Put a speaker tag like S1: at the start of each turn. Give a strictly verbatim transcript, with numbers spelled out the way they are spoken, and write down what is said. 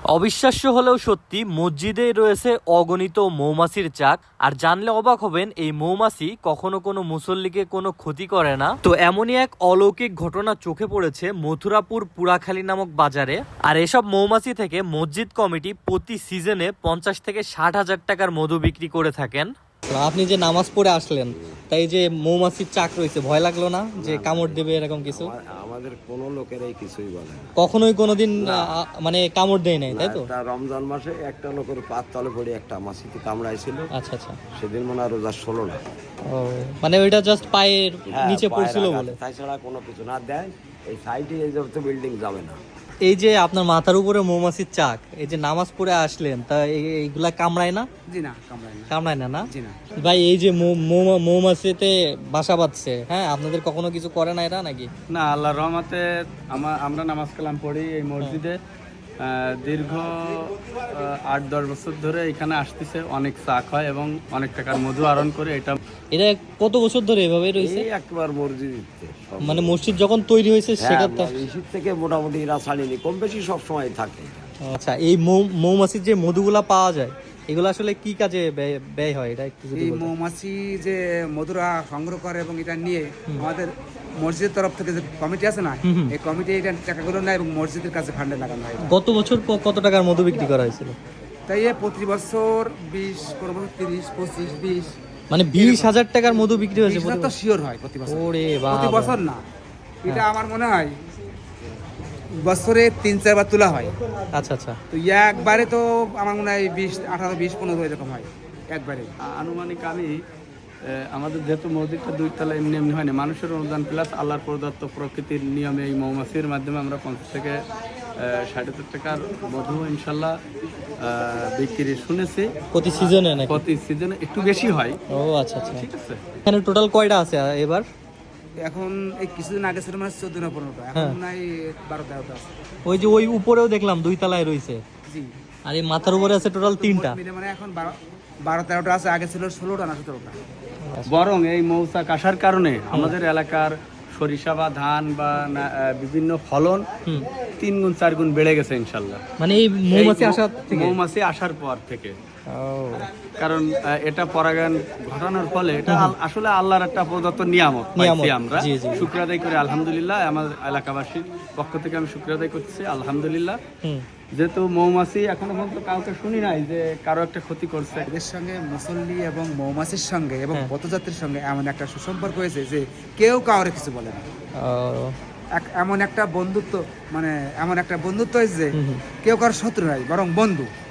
S1: অবিশ্বাস্য হলেও সত্যি, মসজিদেই রয়েছে অগণিত মৌমাছির চাক। আর জানলে অবাক হবেন, এই মৌমাছি কখনো কোনো মুসল্লিকে কোনো ক্ষতি করে না। তো এমনই এক অলৌকিক ঘটনা চোখে পড়েছে মথুরাপুর পুরাখালী নামক বাজারে। আর এসব মৌমাছি থেকে মসজিদ কমিটি প্রতি সিজনে পঞ্চাশ থেকে ষাট হাজার টাকার মধু বিক্রি করে থাকেন। আপনি যে নামাজ পড়ে আসলেন, তাই যে মৌমাছির চাক রয়েছে, ভয় লাগলো না যে কামড় দেবে এরকম কিছু?
S2: আমাদের কোনো লোকেরাই কিছুই বলে না,
S1: কখনোই কোনোদিন আ- মানে কামড় দেয় নাই, তাই তো?
S2: একটা রমজান মাসে একটা লোকের পাত তলে পড়ে একটা মাছিতে কামড়াইছিল।
S1: আচ্ছা আচ্ছা।
S2: সেদিন মনে হয় রোজা ষোলো না।
S1: ও, মানে ওইটা জাস্ট পায়ের
S2: হ্যাঁ,
S1: নিচে
S2: পায়ের
S1: পড়ছিল
S2: আঘাত,
S1: বলে।
S2: তাছাড়া কোনো কিছু না দেয়। এই সাইডে এই যত বিল্ডিং যাবে না।
S1: এই যে আপনার মাথার উপরে মৌমাছির চাক, এই যে নামাজ পড়ে আসলেন, তা এই- এইগুলা কামড়ায় না?
S3: জি না, কামড়ায় না।
S1: কামড়ায় না না?
S3: জি না।
S1: ভাই, এই যে মৌ- মৌ- মৌমাছিতে বাসা বাঁধছে, হ্যাঁ, আপনাদের কখনো কিছু করে না এরা নাকি?
S3: না, আল্লাহর রহমতে আমা- আমরা নামাজ কালাম পড়ি এই মসজিদে। আহ, দীর্ঘ আহ, আট দশ বছর ধরে এখানে আসতেছে, অনেক চাক হয় এবং অনেক টাকার মধু আহরণ করে। এটা
S1: এটা কত বছর ধরে এভাবে রয়েছে?
S2: এই একবার মসজিদ
S1: মানে মসজিদ যখন তৈরি হয়েছে সেখান
S2: শীত থেকে মোটামুটি এরা ছাড়িনি, কম বেশি সব সময় থাকে।
S1: আচ্ছা, এই মৌ- মৌমাছির যে মধুগুলা পাওয়া যায়, এগুলো আসলে কি কাজে ব্যয়- ব্যয় হয়, এটা একটু যদি
S4: এই
S1: বলতেন।
S4: মৌমাছি যে মধুরা সংগ্রহ করে এবং এটা নিয়ে আমাদের মসজিদের তরফ থেকে যে কমিটি আছে না, এই কমিটি এটা টাকাগুলো নেয় এবং মসজিদের কাছে ফান্ডে লাগানো হয়।
S1: গত বছর ক- কত টাকার মধু বিক্রি করা হয়েছিল?
S4: তাই এ প্রতি বছর বিশ, কোনো বছর তিরিশ, পঁচিশ, বিশ,
S1: মানে বিশ হাজার টাকার মধু বিক্রি হয়েছে
S4: বিশ
S1: প্রতি
S4: হাজার তো শিওর হয় প্রতি বছর।
S1: ওরে
S4: প্রতি
S1: বাবা।
S4: বছর না, এটা আমার মনে হয় বছরে তিন চারবার তোলা হয়।
S1: আচ্ছা আচ্ছা।
S4: তো একবারে তো আমার মনে হয় বিশ, আঠারো, বিশ, পনেরো এরকম হয় একবারে।
S3: আনুমানিক আমি আহ, আমাদের যেহেতু মসজিদটা দুই তলা এমনি এমনি হয় না, মানুষের অনুদান প্লাস আল্লাহর প্রদত্ত প্রকৃতির নিয়মে এই মৌমাছির মাধ্যমে আমরা পঞ্চাশ থেকে আহ, ষাট হাজার টাকার মধু ইনশাল্লাহ আহ, বিক্রি শুনেছি।
S1: প্রতি সিজনে নাকি?
S3: প্রতি সিজনে একটু বেশি হয়।
S1: ও আচ্ছা আচ্ছা।
S3: ঠিক আছে।
S1: এখানে টোটাল কয়টা আছে এবার?
S4: এখন এই কিছুদিন আগে ছিল মানে চোদ্দ না পনেরোটা, এখন মনে হয় বারো তেরোটা আছে।
S1: ওই যে ওই উপরেও দেখলাম দুই তলায় রয়েছে,
S4: জি,
S1: আর এই মাথার উপরে আছে টোটাল তিনটা।
S4: মিলে মানে এখন বারো বারো তেরোটা আছে, আগে ছিল ষোলোটা না সতেরোটা।
S3: বরং এই মৌচাক আসার কারণে আমাদের এলাকার সরিষা বা ধান বা না- আহ, বিভিন্ন ফলন
S1: হুম।
S3: তিন গুণ চার গুণ বেড়ে গেছে ইনশাল্লাহ,
S1: মানে এই মৌমাছি
S3: এই মৌ-
S1: আসার থেকে?
S3: মৌমাছি আসার পর থেকে।
S1: ও,
S3: কারণ আহ, এটা পরাগায়ন ঘটানোর ফলে এটা আল- আসলে আল্লাহর একটা প্রদত্ত নিয়ামত
S1: নিয়ামত,
S3: পাইছি আমরা।
S1: জি, জি।
S3: শুকর আদায় করে আলহামদুলিল্লাহ, আমার এলাকাবাসীর পক্ষ থেকে আমি শুকর আদায় করছি আলহামদুলিল্লাহ।
S1: হুম।
S3: যেহেতু মৌমাছি এখনো পর্যন্ত কাউকে শুনি নাই যে কারো একটা ক্ষতি করছে।
S4: এদের সঙ্গে মুসল্লি এবং মৌমাছির সঙ্গে এবং
S1: হ্যাঁ।
S4: পথযাত্রীর সঙ্গে এমন একটা সুসম্পর্ক হয়েছে যে কেউ কাউরে কিছু বলে না।
S1: ও,
S4: এক- এমন একটা বন্ধুত্ব, মানে এমন একটা বন্ধুত্ব হয়েছে যে
S1: হুম হুম।
S4: কেউ কারো শত্রু নাই, বরং বন্ধু।